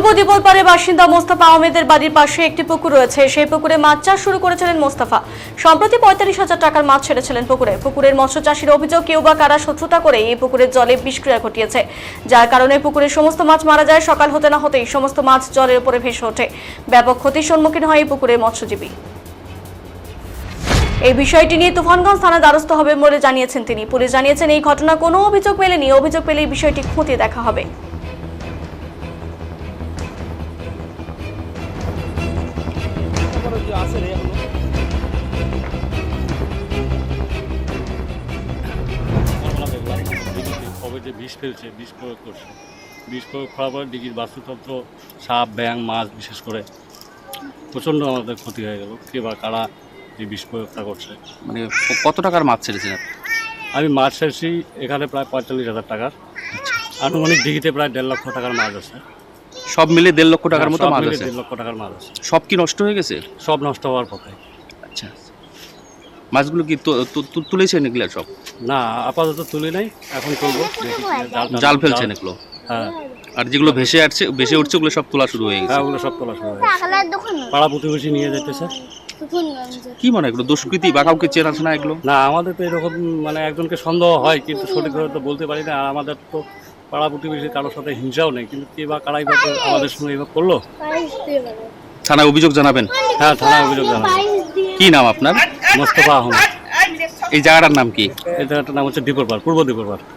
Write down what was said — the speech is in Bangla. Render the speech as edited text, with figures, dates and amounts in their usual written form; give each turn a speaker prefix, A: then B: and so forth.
A: পূর্ব দিবলপাড়ে বাসিন্দা মোস্তফা আহমেদের বাড়ির পাশে একটি পুকুর রয়েছে। সেই পুকুরে মাছ চাষ শুরু করেছিলেন মোস্তফা। সম্প্রতি ৪৫,০০০ টাকার মাছ ছেড়েছিলেন পুকুরের মৎস্য চাষীর অভিযোগ, কেউ বা কারা শত্রুতা করে এই পুকুরের জলে বিষক্রিয়া ঘটিয়েছে, যার কারণে পুকুরের সমস্ত মাছ মারা যায়। সকাল হতে না হতেই সমস্ত মাছ জলের উপরে ভেসে ওঠে। ব্যাপক ক্ষতির সম্মুখীন হয় এই পুকুরের মৎস্যজীবী। এই বিষয়টি নিয়ে তুফানগঞ্জ থানার দ্বারস্থ হবে বলে জানিয়েছেন তিনি। পুলিশ জানিয়েছেন, এই ঘটনা কোনো অভিযোগ মেলেনি। অভিযোগ পেলে এই বিষয়টি খতিয়ে দেখা হবে।
B: যে বিষ ফেলছে, বিষ প্রয়োগ করছে, বিষ প্রয়োগ করার পরে দিঘির বাস্তুতন্ত্র, সাপ, ব্যাঙ, মাছ বিশেষ করে প্রচণ্ড আমাদের ক্ষতি হয়ে গেল। কে বা কারা এই বিষ প্রয়োগটা করছে।
C: মানে কত টাকার মাছ ছেড়েছেন?
B: আমি মাছ ছেড়েছি এখানে প্রায় ৪৫,০০০ টাকার। আনুমানিক দিঘিতে প্রায় ১.৫ লক্ষ টাকার মাছ আছে।
C: সব মিলে ১.৫ লক্ষ টাকার মতো মাছ আছে?
B: ১.৫ লক্ষ টাকার মাছ আছে।
C: সব কি নষ্ট হয়ে গেছে?
B: সব নষ্ট হওয়ার পথে।
C: আচ্ছা, মাছগুলো কি তুলেছেন এগুলো সব?
B: না, আপাতত তুলি নাই, এখন তুলবো।
C: জাল ফেলছেন এগুলো?
B: হ্যাঁ।
C: আর যেগুলো ভেসে উঠছে ওগুলো সব তোলা শুরু হয়ে গেছে?
B: হ্যাঁ, ওগুলো সব তোলা শুরু হয়ে গেছে। পাড়া প্রতিবেশী নিয়ে যেতেছে।
C: কি মনে হয় এগুলো দুষ্কৃতি বা কাউকে চেনা এগুলো?
B: না, আমাদের তো এরকম মানে একজনকে সন্দেহ হয়, কিন্তু সঠিকভাবে তো বলতে পারি না। আর আমাদের তো পাড়া প্রতিবেশী কারোর সাথে হিংসাও নেই, কিন্তু কে বা কারাই বা আমাদের সঙ্গে এবার করলো।
C: থানায় অভিযোগ জানাবেন?
B: হ্যাঁ, থানায় অভিযোগ জানাবো।
C: কি নাম আপনার?
B: মোস্তফা আহমেদ।
C: এই জায়গাটার নাম কি?
B: এই জায়গাটার নাম হচ্ছে দিপরপাড়, পূর্ব দিপরপাড়।